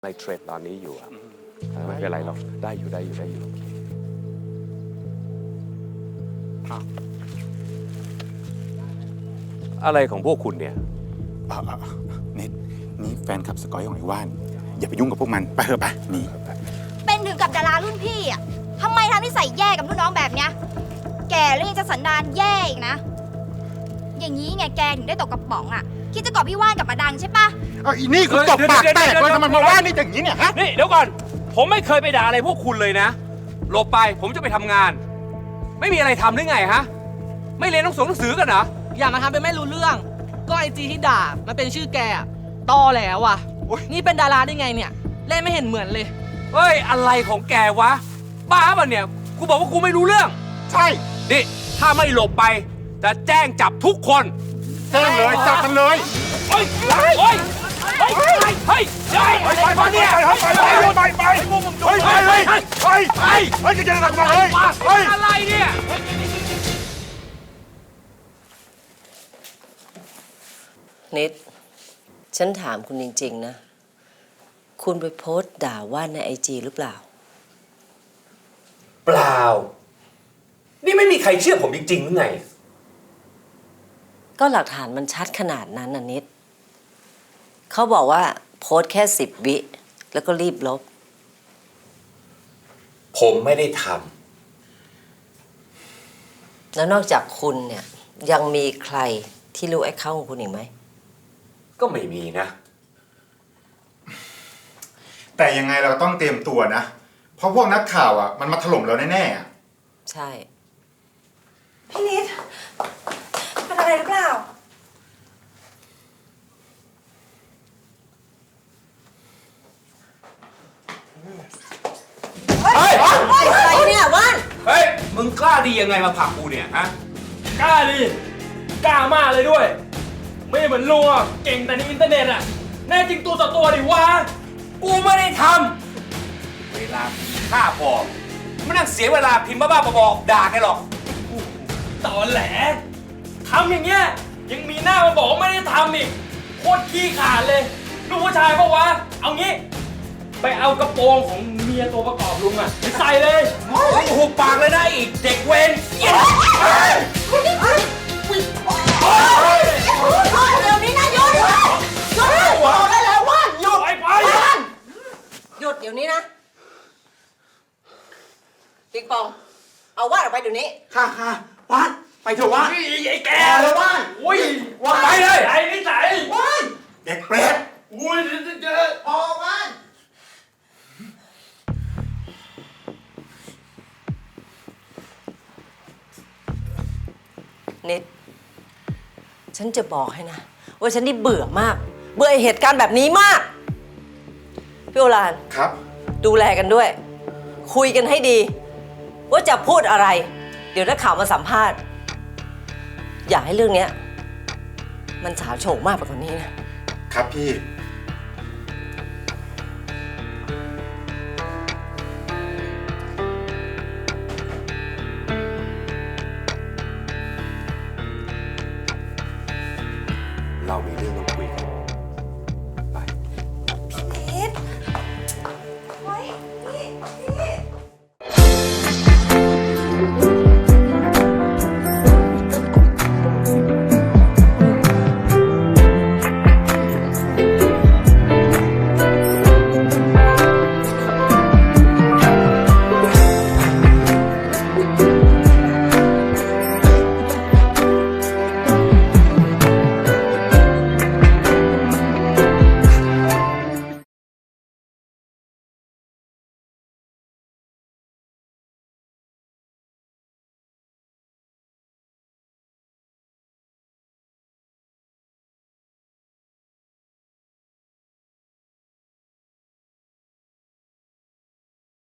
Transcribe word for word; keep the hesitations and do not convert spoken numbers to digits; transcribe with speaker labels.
Speaker 1: ในเทรดตอนนี้อยู่ครับไม่เป็นไรหรอกได้อยู่ได้อยู่ได้อยู่อะไรของพวกคุณเนี่ย
Speaker 2: นี่นี่แฟนคลับสกอยของไอ้ว่านอย่าไปยุ่งกับพวกมันไปเถอะไปนี่
Speaker 3: เป็นถึงกับดารารุ่นพี่อ่ะทำไมทำนิสัยแย่กับรุ่นน้องแบบเนี้ยแกแล้วยังจะสันดานแย่อีกนะอย่างนี้ไงแกถึงได้ตกกระป๋องอ่ะคิดจะกอบพี่ว่านกับมาดังใช่ปะ
Speaker 2: เอาอีนี่คือตบปากแตกเลยทำไมมาว่านี่อย่างนี้เนี่ยฮะ
Speaker 4: นี่เดี๋ยวก่อนผมไม่เคยไปด่าอะไรพวกคุณเลยนะหลบไปผมจะไปทำงาน ไม่มีอะไรทำหรือไงฮะไม่เรียนหนังสือหนังสือกันเหรอ
Speaker 5: อย่ามาทำเป็นไม่รู้เรื่องก็ไอจีที่ด่ามันเป็นชื่อแกอะตอแล้วอ่ะนี่เป็นดาราได้ไงเนี่ยเล่นไม่เห็นเหมือนเลย
Speaker 4: เฮ้ยอะไรของแกวะบ้าป่ะเนี่ยกูบอกว่ากูไม่รู้เรื่อง
Speaker 2: ใช่
Speaker 4: นี่ถ้าไม่หลบไปจะแจ้งจับทุกคน
Speaker 2: แจ้งเลยจับมันเลย
Speaker 4: เฮ้ยเฮ้ยเฮ้ยเฮ้ยเฮ้ยไปไปไปเนี่ยไปไปไปไปไปไปไปไปไป
Speaker 2: เฮ้ยจะจะทำอะไรเฮ้ย
Speaker 4: อะไรเนี่ย
Speaker 6: นิดฉันถามคุณจริงๆนะคุณไปโพสต์ด่าว่าในไอจีหรือเปล่า
Speaker 4: เปล่านี่ไม่มีใครเชื่อผมจริงๆหรือไง
Speaker 6: ก็หลักฐานมันชัดขนาดนั้นน่ะนิดเขาบอกว่าโพสต์แค่สิบวิแล้วก็รีบลบ
Speaker 4: ผมไม่ได้ท
Speaker 6: ำแล้วนอกจากคุณเนี่ยยังมีใครที่รู้ไอ้เข้าของคุณอีกไหม
Speaker 4: ก็ไม่มีนะ
Speaker 2: แต่ยังไงเราต้องเตรียมตัวนะเพราะพวกนักข่าวอ่ะมันมาถล่มเราแน่
Speaker 6: ๆใช่
Speaker 3: พี่นิดเป็นอะไรหรือเปล่า
Speaker 4: เฮ้ย
Speaker 6: อะไรเนี่ยว่าน
Speaker 4: เฮ้ยมึงกล้าดียังไงมาผลักกูเนี่ยฮะ
Speaker 5: กล้าดิกล้ามากเลยด้วยไม่เหมือนลุงอ่ะเก่งแต่ในอินเทอร์เน็ตอ่ะแน่จริงตัวต่อตัวดิวะ
Speaker 4: กูไม่ได้ทำเวลาฆ่าพอไม่นั่งเสียเวลาพิมพ์บ้าๆบอๆด่าแกหรอก
Speaker 5: ตอนแหลทำอย่างเงี้ยยังมีหน้ามาบอกว่าไม่ได้ทำอีกโคตรขี้ขาดเลยลูกผู้ชายปะวะเอางี้ไปเอากระโปรงของเมียตัวประกอบลุงอ่ะไปใส่เลย
Speaker 4: หุบปากเลยนะอีกเด็กเวร
Speaker 3: เดี๋ยวนี้นะหยุดหยุดหยุดบอกได้แล้วว่านหยุด
Speaker 5: ไปไป
Speaker 6: หยุดเดี๋ยวนี้นะปิ๊กปองเอาว่านออกไปเดี๋ยวนี้
Speaker 2: ค่ะค่ะว่านไปเถอะว่าน
Speaker 5: ไอ้แก
Speaker 2: เลยว่าน
Speaker 5: อุ้ยไปเลยไอ้นิสัย
Speaker 2: ว่านเด็กเปรต
Speaker 5: อุ้ยเจอ
Speaker 2: พอว่าน
Speaker 6: นิดฉันจะบอกให้นะว่าฉันนี่เบื่อมากเบื่อเหตุการณ์แบบนี้มากพี่โอฬาร
Speaker 2: ครับ
Speaker 6: ดูแลกันด้วยคุยกันให้ดีว่าจะพูดอะไรเดี๋ยวนักข่าวมาสัมภาษณ์อย่าให้เรื่องนี้มันฉาโฉงมากไปกว่านี้นะครับ
Speaker 2: พี่